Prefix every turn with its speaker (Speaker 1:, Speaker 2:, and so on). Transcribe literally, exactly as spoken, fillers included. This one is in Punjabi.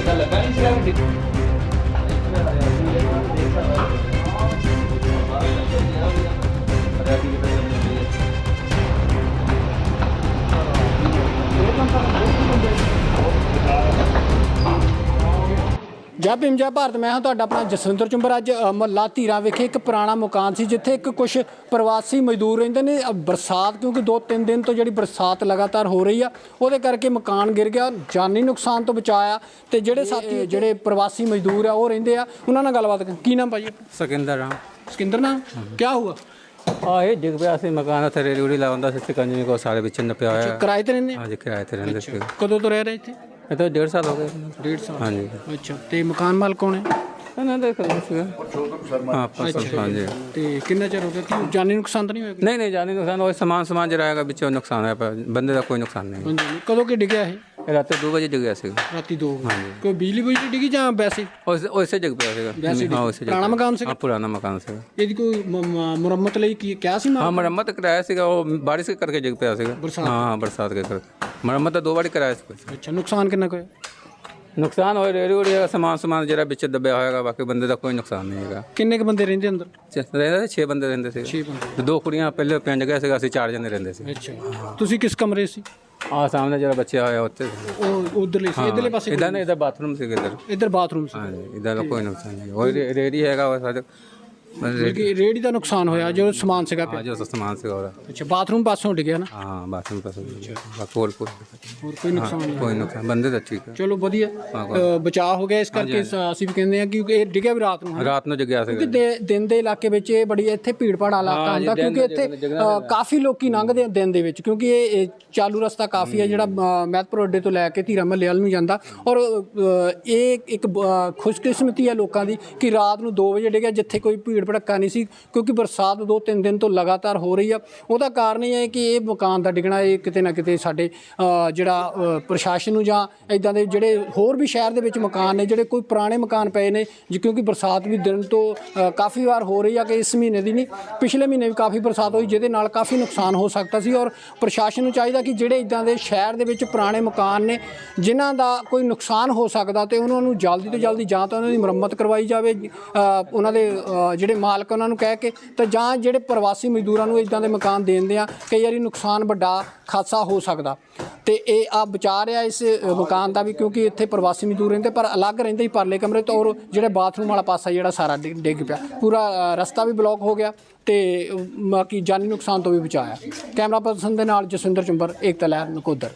Speaker 1: जय भीम जय भारत। मैं हाँ तुहाडा अपना जसविंदर चुंबर। अज महला धीरा विखे एक पुराना मकान सी जिथे एक कुछ प्रवासी मजदूर रहिंदे ने। बरसात क्योंकि दो तीन दिन तो जी बरसात लगातार हो रही है वो करके मकान गिर गया, जानी नुकसान तो बचाया। तो जोड़े साथी जोड़े प्रवासी मजदूर है वो रहिंदे आ उन्हां नाल गलबात की नाम भाई?
Speaker 2: सिकंदर राम।
Speaker 1: सिकंदर नाम क्या हुआ?
Speaker 2: हाँ ये डिग पिया सी मकान उत्थे रेड़ी रूड़ी लाउंदा सी कंजनी को सारे पिछे नप्पिया होया।
Speaker 1: किराए ते रहिंदे?
Speaker 2: हाँ जी किराए ते रहिंदे सी।
Speaker 1: कदों तो रह रहे इत्थे?
Speaker 2: ये तो डेढ़ साल हो गए।
Speaker 1: डेढ़ साल?
Speaker 2: हाँ जी।
Speaker 1: अच्छा ते मकान माल कौन है?
Speaker 2: ना देख सी हाँ फसल। हाँ जी।
Speaker 1: ते कितना चਿਰ हो गया कि जानी नुकसान तो नहीं होया?
Speaker 2: नहीं नहीं जानी नुकसान वो सामान सामान जराएगा बिचों नुकसान है पर बंदे का कोई नुकसान नहीं।
Speaker 1: कदों कि डिग्या है?
Speaker 2: रात दो बजे डिगया सी।
Speaker 1: राती दो?
Speaker 2: हाँ जी।
Speaker 1: कोई बिजली बुजली डिगी जां वैसे?
Speaker 2: वैसे डिग पिया सी। हाँ वैसे
Speaker 1: पुराना मकान से?
Speaker 2: हाँ पुराना मकान से।
Speaker 1: ਇਹਦੀ ਕੋਈ ਮੁਰੰਮਤ ਲਈ ਕੀ ਕਿਹਾ ਸੀ?
Speaker 2: हाँ मरम्मत कराया सी वो बारिश के करके डिग पिया सी। हाँ बरसात के करके मरम्मत दो बार कराया सी।
Speaker 1: अच्छा नुकसान कितना कोई?
Speaker 2: नुकसान हो रेड़ी उड़ी समान समान जरा बिच दबिया होएगा बाकी बंदे का कोई नुकसान नहीं है।
Speaker 1: किन्ने के बंदे रहंदे अंदर?
Speaker 2: रहंदे छे बंदे रहंदे थे।
Speaker 1: छे बंदे।
Speaker 2: दो कुड़ियां पहले पिंड गए थे ਅਸੀਂ चार जने रहंदे सी।
Speaker 1: अच्छा ਤੁਸੀਂ किस कमरे ਸੀ?
Speaker 2: हाँ सामने जरा बच्चे आए होते
Speaker 1: ਉਹ ਉਧਰਲੇ ਸੀ ਇਧਰਲੇ ਪਾਸੇ?
Speaker 2: इधर नहीं इधर बाथरूम से इधर।
Speaker 1: इधर बाथरूम ਸੀ?
Speaker 2: हाँ जी इधर का कोई नुकसान नहीं। वही रेडी हैगा वो सारे
Speaker 1: ਬਲਕਿ ਰੇੜੀ ਦਾ ਨੁਕਸਾਨ ਹੋਇਆ ਜੋ ਸਮਾਨ ਸੀਗਾ ਪਿਆ?
Speaker 2: हाँ जो सामान से हो रहा।
Speaker 1: ਅੱਛਾ ਬਾਥਰੂਮ ਪਾਸੋਂ ਡਿੱਗਿਆ ਨਾ?
Speaker 2: हाँ बाथरूम का सब कोल कोल
Speaker 1: ਹੋਰ ਕੋਈ ਨੁਕਸਾਨ ਨਹੀਂ?
Speaker 2: कोई नुकसान बंदे तो ठीक है।
Speaker 1: ਚਲੋ ਵਧੀਆ ਬਚਾਅ ਹੋ ਗਿਆ। ਇਸ ਕਰਕੇ ਅਸੀਂ ਵੀ ਕਹਿੰਦੇ ਆ ਕਿ ਇਹ ਡਿੱਗਿਆ ਵੀ ਰਾਤ ਨੂੰ?
Speaker 2: ਰਾਤ ਨੂੰ ਜਗਿਆ ਸੀ
Speaker 1: ਕਿਉਂਕਿ ਦਿਨ ਦੇ ਇਲਾਕੇ ਵਿੱਚ ਇਹ ਬੜੀ ਇੱਥੇ ਭੀੜ ਭਾੜ ਇਲਾਕਾ ਹੁੰਦਾ ਕਿਉਂਕਿ ਇੱਥੇ ਕਾਫੀ ਲੋਕੀ ਲੰਘਦੇ ਆ ਦਿਨ ਦੇ ਵਿੱਚ ਕਿਉਂਕਿ ਇਹ ਚਾਲੂ ਰਸਤਾ ਕਾਫੀ ਹੈ ਜਿਹੜਾ ਮਹਿਤਪੁਰ ਅੱਡੇ ਤੋਂ ਲੈ ਕੇ ਧੀਰਾ ਮਹੱਲੇ ਵੱਲ ਨੂੰ ਜਾਂਦਾ। ਔਰ ਇਹ ਇੱਕ ਖੁਸ਼ਕਿਸਮਤੀ ਹੈ ਲੋਕਾਂ ਦੀ ਕਿ ਰਾਤ ਨੂੰ ਦੋ ਵਜੇ ਡਿੱਗਿਆ ਜਿੱਥੇ ਕੋਈ ਭੀੜ ਭੜੱਕਾ ਨਹੀਂ ਸੀ ਕਿਉਂਕਿ ਬਰਸਾਤ ਦੋ ਤਿੰਨ ਦਿਨ ਤੋਂ ਲਗਾਤਾਰ ਹੋ ਰਹੀ ਆ। ਉਹਦਾ ਕਾਰਨ ਇਹ ਹੈ ਕਿ ਇਹ ਮਕਾਨ ਦਾ ਡਿੱਗਣਾ ਇਹ ਕਿਤੇ ਨਾ ਕਿਤੇ ਸਾਡੇ ਜਿਹੜਾ ਪ੍ਰਸ਼ਾਸਨ ਨੂੰ ਜਾਂ ਇੱਦਾਂ ਦੇ ਜਿਹੜੇ ਹੋਰ ਵੀ ਸ਼ਹਿਰ ਦੇ ਵਿੱਚ ਮਕਾਨ ਨੇ ਜਿਹੜੇ ਕੋਈ ਪੁਰਾਣੇ ਮਕਾਨ ਪਏ ਨੇ ਕਿਉਂਕਿ ਬਰਸਾਤ ਵੀ ਦਿਨ ਤੋਂ ਕਾਫੀ ਵਾਰ ਹੋ ਰਹੀ ਆ ਕਿ ਇਸ ਮਹੀਨੇ ਦੀ ਨਹੀਂ ਪਿਛਲੇ ਮਹੀਨੇ ਵੀ ਕਾਫੀ ਬਰਸਾਤ ਹੋਈ ਜਿਹਦੇ ਨਾਲ ਕਾਫੀ ਨੁਕਸਾਨ ਹੋ ਸਕਦਾ ਸੀ। ਔਰ ਪ੍ਰਸ਼ਾਸਨ ਨੂੰ ਚਾਹੀਦਾ ਕਿ ਜਿਹੜੇ ਇੱਦਾਂ ਦੇ ਸ਼ਹਿਰ ਦੇ ਵਿੱਚ ਪੁਰਾਣੇ ਮਕਾਨ ਨੇ ਜਿਨ੍ਹਾਂ ਦਾ ਕੋਈ ਨੁਕਸਾਨ ਹੋ ਸਕਦਾ ਤੇ ਉਹਨਾਂ ਨੂੰ ਜਲਦੀ ਤੋਂ ਜਲਦੀ ਜਾਂ ਤਾਂ ਉਹਨਾਂ ਦੀ ਮੁਰੰਮਤ ਕਰਵਾਈ ਜਾਵੇ ਉਹਨਾਂ ਦੇ ਜਿਹੜੇ ਮਾਲਕ ਉਹਨਾਂ ਨੂੰ ਕਹਿ ਕੇ ਤੇ ਜਾਂ ਜਿਹੜੇ ਪ੍ਰਵਾਸੀ ਮਜ਼ਦੂਰਾਂ ਨੂੰ ਇੱਦਾਂ ਦੇ ਮਕਾਨ ਦੇਣਦੇ ਆ ਕਈ ਵਾਰੀ ਨੁਕਸਾਨ ਵੱਡਾ ਖਾਸਾ ਹੋ ਸਕਦਾ। ਤੇ ਇਹ ਆ ਬਚਾ ਰਿਹਾ ਇਸ ਮਕਾਨ ਦਾ ਵੀ ਕਿਉਂਕਿ ਇੱਥੇ ਪ੍ਰਵਾਸੀ ਮਜ਼ਦੂਰ ਰਹਿੰਦੇ ਪਰ ਅਲੱਗ ਰਹਿੰਦੇ ਹੀ ਪਰਲੇ ਕਮਰੇ ਤੋਂ। ਔਰ ਜਿਹੜੇ ਬਾਥਰੂਮ ਵਾਲਾ ਪਾਸਾ ਜਿਹੜਾ ਸਾਰਾ ਡਿੱਗ ਪਿਆ ਪੂਰਾ ਰਸਤਾ ਵੀ ਬਲੌਕ ਹੋ ਗਿਆ ਤੇ ਬਾਕੀ ਜਾਨੀ ਨੁਕਸਾਨ ਤੋਂ ਵੀ ਬਚਾਇਆ। ਕੈਮਰਾ ਪਰਸਨ ਦੇ ਨਾਲ ਜਸਵਿੰਦਰ ਚੁੰਬਰ ਏਕਤਾ ਲਹਿਰ ਨਕੋਦਰ।